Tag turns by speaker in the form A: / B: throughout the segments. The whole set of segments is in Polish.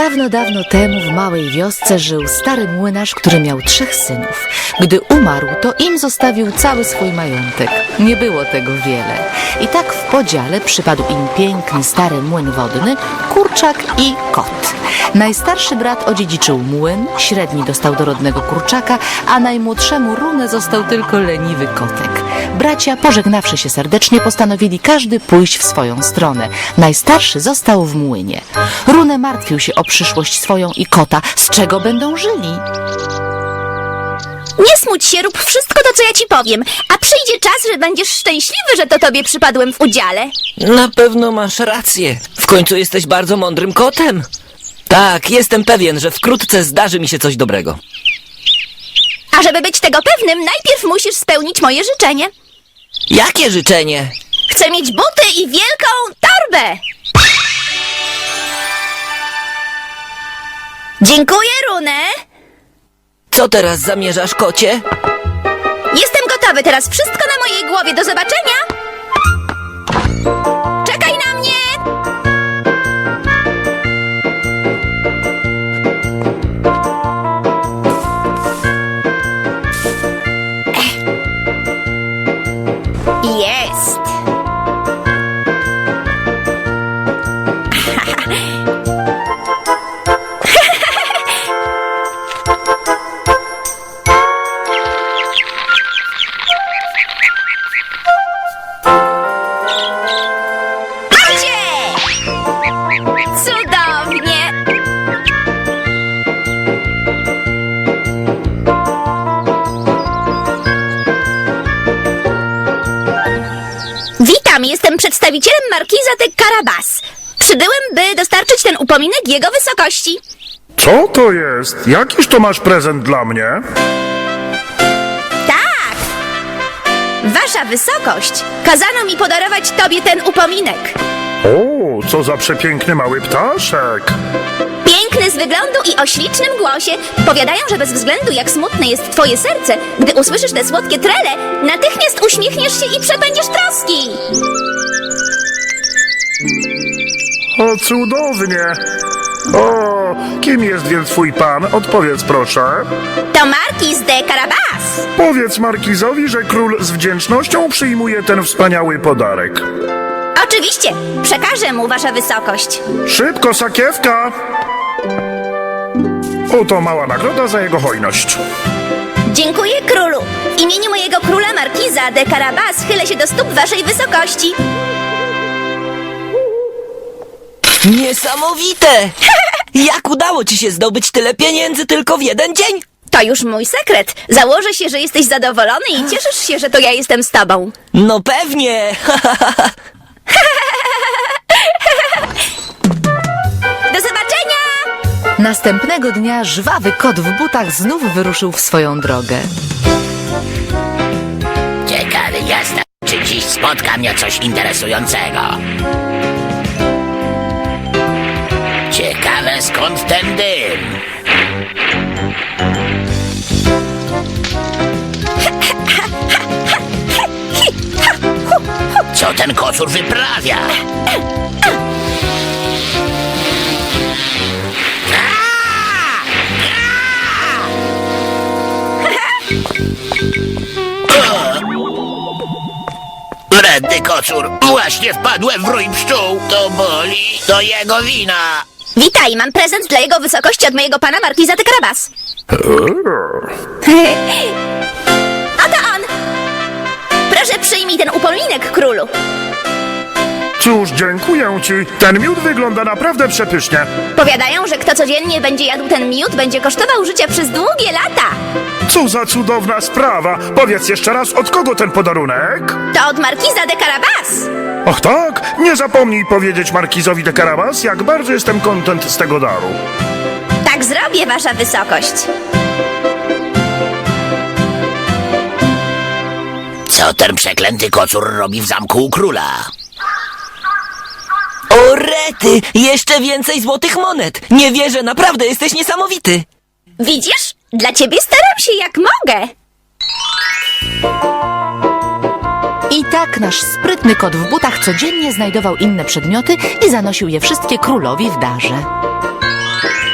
A: Dawno, dawno temu w małej wiosce żył stary młynarz, który miał 3 synów. Gdy umarł, to im zostawił cały swój majątek. Nie było tego wiele. I tak w podziale przypadł im piękny stary młyn wodny, kurczak i kot. Najstarszy brat odziedziczył młyn, średni dostał dorodnego kurczaka, a najmłodszemu Runę został tylko leniwy kotek. Bracia, pożegnawszy się serdecznie, postanowili każdy pójść w swoją stronę. Najstarszy został w młynie. Runę martwił się o przyszłość swoją i kota. Z czego będą żyli?
B: Nie smuć się, rób wszystko to, co ja ci powiem. A przyjdzie czas, że będziesz szczęśliwy, że to tobie przypadłem w udziale.
C: Na pewno masz rację. W końcu jesteś bardzo mądrym kotem. Tak, jestem pewien, że wkrótce zdarzy mi się coś dobrego.
B: A żeby być tego pewnym, najpierw musisz spełnić moje życzenie.
C: Jakie życzenie?
B: Chcę mieć buty i wielką torbę. Dziękuję, Runę.
C: Co teraz zamierzasz, kocie?
B: Jestem gotowy, teraz wszystko na mojej głowie. Do zobaczenia. Czekaj na mnie. Jest. Macie! Cudownie! Witam, jestem przedstawicielem markiza de Carabas. Przybyłem, by dostarczyć ten upominek jego wysokości.
D: Co to jest? Jakiż to masz prezent dla mnie?
B: Tak! Wasza wysokość, kazano mi podarować tobie ten upominek.
D: O, co za przepiękny mały ptaszek!
B: Piękny z wyglądu i o ślicznym głosie. Powiadają, że bez względu jak smutne jest twoje serce, gdy usłyszysz te słodkie trele, natychmiast uśmiechniesz się i przepędziesz troski.
D: O, cudownie! O, kim jest więc twój pan? Odpowiedz proszę.
B: To markiz de Carabas.
D: Powiedz markizowi, że król z wdzięcznością przyjmuje ten wspaniały podarek.
B: Oczywiście, przekażę mu wasza wysokość.
D: Szybko, sakiewka! Oto mała nagroda za jego hojność.
B: Dziękuję, królu. W imieniu mojego króla markiza de Carabas chylę się do stóp waszej wysokości.
C: Niesamowite! Jak udało ci się zdobyć tyle pieniędzy tylko w jeden dzień?
B: To już mój sekret. Założę się, że jesteś zadowolony i cieszysz się, że to ja jestem z tobą.
C: No pewnie!
B: Do zobaczenia!
A: Następnego dnia żwawy kot w butach znów wyruszył w swoją drogę.
E: Ciekawy jestem, czy dziś spotka mnie coś interesującego. Ciekawe, skąd ten dym. Co ten kocur wyprawia? Wredny kocur, właśnie wpadłem w rój pszczół. To boli, to jego wina.
B: Witaj, mam prezent dla jego wysokości od mojego pana markiza de Carabas. Oto on! Proszę przyjmij ten upominek, królu.
D: Cóż, dziękuję ci. Ten miód wygląda naprawdę przepysznie.
B: Powiadają, że kto codziennie będzie jadł ten miód, będzie kosztował życia przez długie lata.
D: Co za cudowna sprawa. Powiedz jeszcze raz, od kogo ten podarunek?
B: To od markiza de Carabas.
D: Ach tak, nie zapomnij powiedzieć markizowi de Carabas, jak bardzo jestem kontent z tego daru.
B: Tak zrobię, wasza wysokość.
E: Co ten przeklęty kocur robi w zamku u króla?
C: O rety! Jeszcze więcej złotych monet! Nie wierzę, naprawdę jesteś niesamowity!
B: Widzisz? Dla ciebie staram się jak mogę.
A: I tak nasz sprytny kot w butach codziennie znajdował inne przedmioty i zanosił je wszystkie królowi w darze.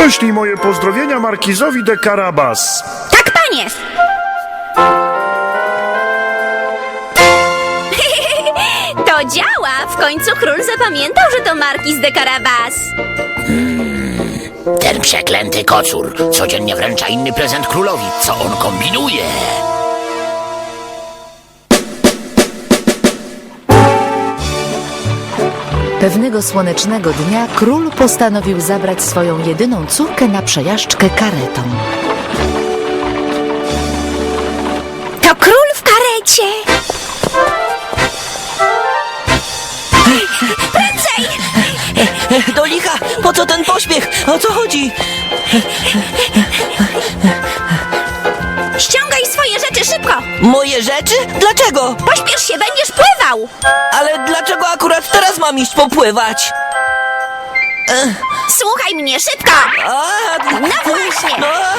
D: Prześlij moje pozdrowienia markizowi de Carabas.
B: Tak, panie! To działa! W końcu król zapamiętał, że to markiz de Carabas.
E: Ten przeklęty kocur codziennie wręcza inny prezent królowi. Co on kombinuje?
A: Pewnego słonecznego dnia król postanowił zabrać swoją jedyną córkę na przejażdżkę karetą.
B: To król w karecie! Prędzej!
C: Do licha! Po co ten pośpiech? O co chodzi?
B: Ściągaj swoje rzeczy szybko!
C: Moje rzeczy? Dlaczego?
B: Pośpiesz się, będziesz pływał!
C: Ale dlaczego akurat teraz mam iść popływać?
B: Słuchaj mnie, szybko! No właśnie!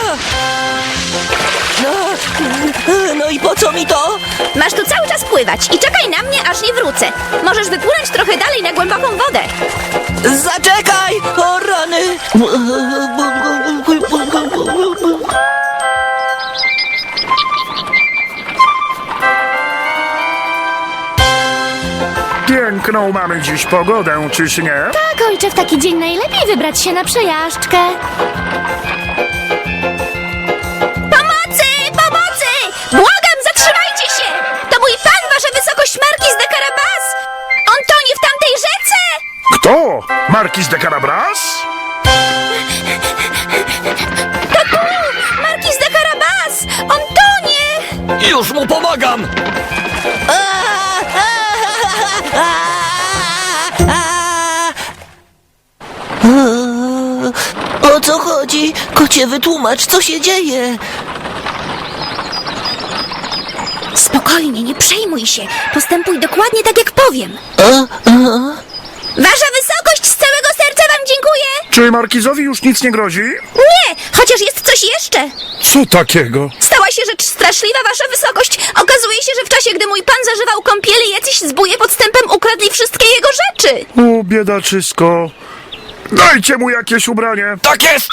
C: No i po co mi to?
B: Masz tu cały czas pływać i czekaj na mnie, aż nie wrócę. Możesz wypłynąć trochę dalej na głęboką wodę.
C: Zaczekaj! O rany!
D: Piękną mamy dziś pogodę, czyż nie?
F: Tak, ojcze, w taki dzień najlepiej wybrać się na przejażdżkę.
B: Pomocy! Pomocy! Błagam, zatrzymajcie się! To mój pan, wasza wysokość, markiz de Carabas! On tonie w tamtej rzece!
D: Kto? Markiz de Carabas?
B: To tu! Markiz de Carabas! On tonie!
C: Już mu pomagam! O co chodzi? Kocie, wytłumacz, co się dzieje?
B: Spokojnie, nie przejmuj się. Postępuj dokładnie tak, jak powiem. Wasza wysokość, z całego serca wam dziękuję!
D: Czy markizowi już nic nie grozi?
B: Nie! Chociaż jest coś jeszcze!
D: Co takiego?
B: Stała się rzecz straszliwa, wasza wysokość! Okazuje się, że w czasie, gdy mój pan zażywał kąpieli, jacyś zbóje podstępem ukradli wszystkie jego rzeczy!
D: O, biedaczysko. Dajcie mu jakieś ubranie.
C: Tak jest!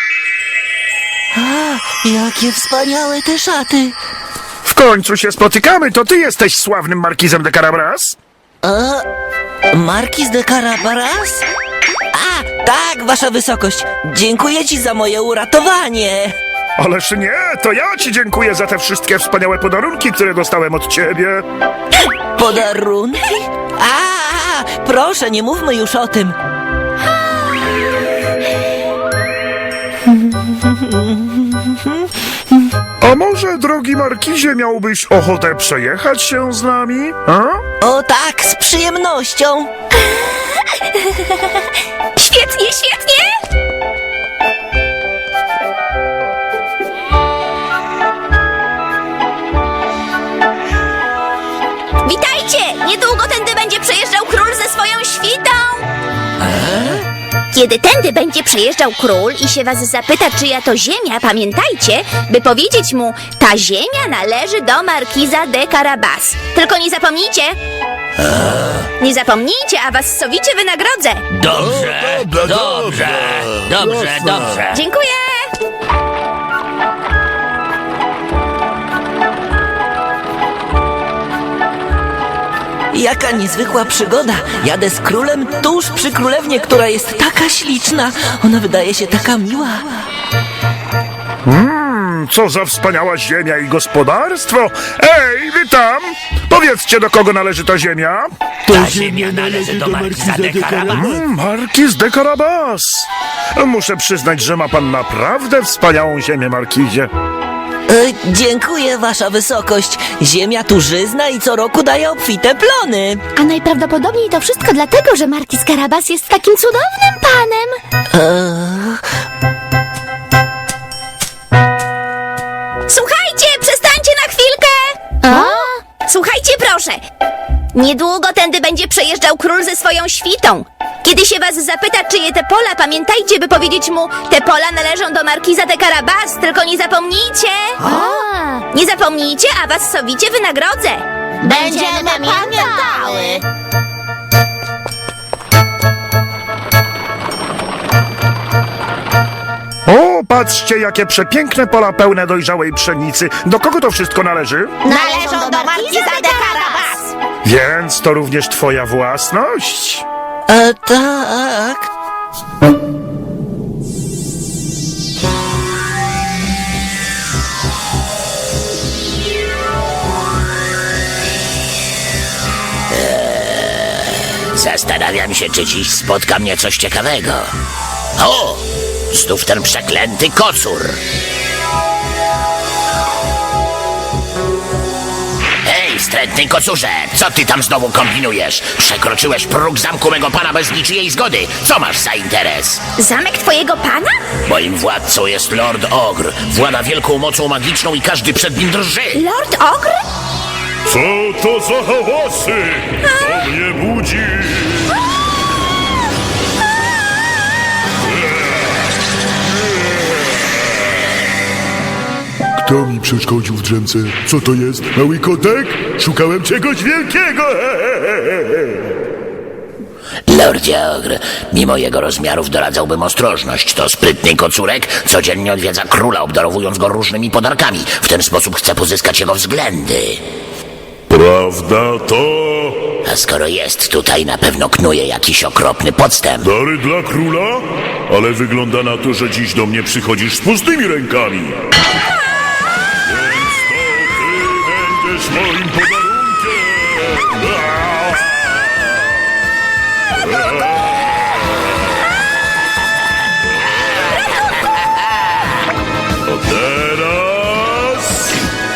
C: Jakie wspaniałe te szaty!
D: W końcu się spotykamy, to ty jesteś sławnym markizem de Carabas?
C: Markiz de Carabas? A, tak, wasza wysokość. Dziękuję ci za moje uratowanie.
D: Ależ nie, to ja ci dziękuję za te wszystkie wspaniałe podarunki, które dostałem od ciebie.
C: Podarunki? A, proszę, nie mówmy już o tym.
D: A może, drogi markizie, miałbyś ochotę przejechać się z nami? A?
C: O tak, z przyjemnością.
B: Świetnie, świetnie! Witajcie! Niedługo tędy będzie przejeżdżał król ze swoją świtą! Kiedy tędy będzie przejeżdżał król i się was zapyta, czyja to ziemia, pamiętajcie, by powiedzieć mu, ta ziemia należy do markiza de Carabas. Tylko nie zapomnijcie! Nie zapomnijcie, a was sowicie wynagrodzę!
E: Dobrze, dobrze.
B: Dziękuję!
C: Jaka niezwykła przygoda. Jadę z królem tuż przy królewnie, która jest taka śliczna. Ona wydaje się taka miła.
D: Co za wspaniała ziemia i gospodarstwo! Ej, wy tam! Powiedzcie, do kogo należy ta ziemia?
E: Ta ziemia należy do markiza de Carabas.
D: Markiz de Carabas! Muszę przyznać, że ma pan naprawdę wspaniałą ziemię, markizie.
C: Dziękuję, wasza wysokość. Ziemia tu żyzna i co roku daje obfite plony.
F: A najprawdopodobniej to wszystko dlatego, że markiz Carabas jest takim cudownym panem.
B: Słuchajcie, przestańcie na chwilkę! Słuchajcie, proszę. Niedługo tędy będzie przejeżdżał król ze swoją świtą. Kiedy się was zapyta, czyje te pola, pamiętajcie, by powiedzieć mu, te pola należą do markiza de Carabas, tylko nie zapomnijcie. Nie zapomnijcie, a was sowicie wynagrodzę.
F: Będziemy pamiętały.
D: patrzcie, jakie przepiękne pola pełne dojrzałej pszenicy. Do kogo to wszystko należy?
B: Należą do Markiza de Carabas.
D: Więc to również twoja własność?
C: Tak.
E: Zastanawiam się, czy dziś spotka mnie coś ciekawego. O! Znów ten przeklęty kocur. Hej, wstrętny kocurze, co ty tam znowu kombinujesz? Przekroczyłeś próg zamku mego pana bez niczyjej zgody. Co masz za interes?
B: Zamek twojego pana?
E: Moim władcą jest Lord Ogr. Włada wielką mocą magiczną i każdy przed nim drży.
B: Lord Ogr?
D: Co to za hałasy? To mnie budzi.
G: Kto mi przeszkodził w drzemce? Co to jest? Mały kotek? Szukałem czegoś wielkiego!
E: Lordzie Ogr, mimo jego rozmiarów doradzałbym ostrożność. To sprytny kocurek codziennie odwiedza króla, obdarowując go różnymi podarkami. W ten sposób chce pozyskać jego względy.
G: Prawda to...
E: A skoro jest tutaj, na pewno knuje jakiś okropny podstęp.
G: Dary dla króla? Ale wygląda na to, że dziś do mnie przychodzisz z pustymi rękami. Więc to ty będziesz moim podarunkiem! A teraz...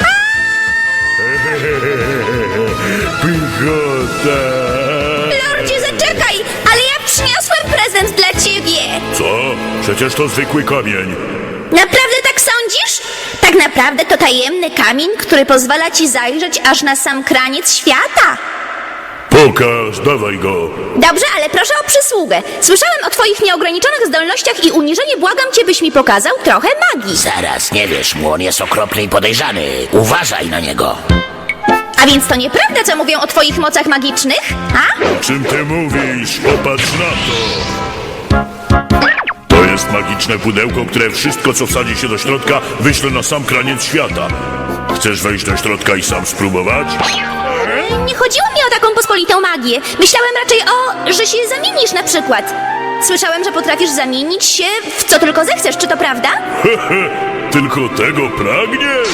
G: Pychota!
B: Lordzie, zaczekaj! Ale ja przyniosłem prezent dla ciebie!
G: Co? Przecież to zwykły kamień.
B: Naprawdę tak sądzisz? Tak naprawdę to tajemny kamień, który pozwala ci zajrzeć aż na sam kraniec świata.
G: Pokaż, dawaj go.
B: Dobrze, ale proszę o przysługę. Słyszałem o twoich nieograniczonych zdolnościach i uniżenie błagam cię, byś mi pokazał trochę magii.
E: Zaraz, nie wiesz mu, on jest okropny i podejrzany. Uważaj na niego.
B: A więc to nieprawda, co mówią o twoich mocach magicznych? A?
G: O czym ty mówisz? Popatrz na to. To jest magiczne pudełko, które wszystko, co wsadzi się do środka, wyśle na sam kraniec świata. Chcesz wejść do środka i sam spróbować?
B: Nie chodziło mi o taką pospolitą magię. Myślałem raczej że się zamienisz na przykład. Słyszałem, że potrafisz zamienić się w co tylko zechcesz, czy to prawda?
G: Tylko tego pragniesz?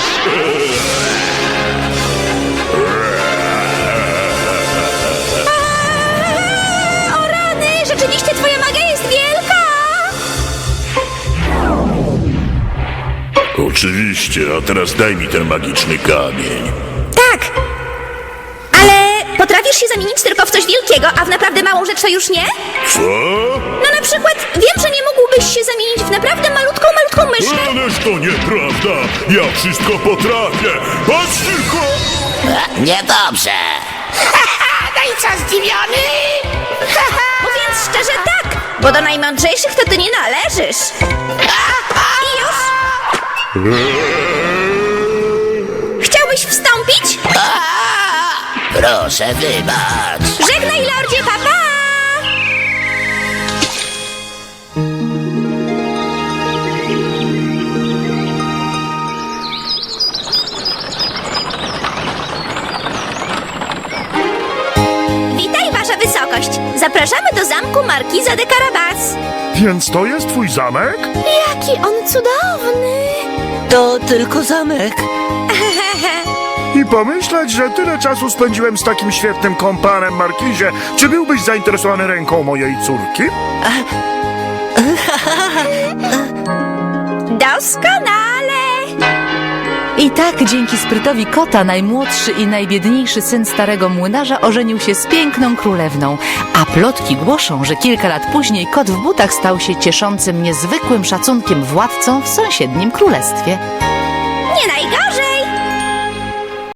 B: O rany, rzeczywiście twoja magia jest wielka!
G: Oczywiście, a teraz daj mi ten magiczny kamień.
B: Tak, ale potrafisz się zamienić tylko w coś wielkiego, a w naprawdę małą rzecz to już nie?
G: Co?
B: No na przykład wiem, że nie mógłbyś się zamienić w naprawdę malutką myszkę.
G: Ależ to nieprawda! Ja wszystko potrafię! Patrz tylko!
E: Niedobrze. No i co, zdziwiony?
B: Mówiąc szczerze tak, bo do najmądrzejszych to ty nie należysz. I już? Chciałbyś wstąpić?
E: Proszę, wybacz.
B: Żegnaj, lordzie, papa! Witaj, wasza wysokość. Zapraszamy do zamku Markiza de Carabas.
D: Więc to jest twój zamek?
F: Jaki on cudowny!
C: To tylko zamek.
D: I pomyśleć, że tyle czasu spędziłem z takim świetnym kompanem, Markizie. Czy byłbyś zainteresowany ręką mojej córki?
B: Doskonale!
A: I tak dzięki sprytowi kota najmłodszy i najbiedniejszy syn starego młynarza ożenił się z piękną królewną, a plotki głoszą, że kilka lat później kot w butach stał się cieszącym niezwykłym szacunkiem władcą w sąsiednim królestwie.
B: Nie najgorzej!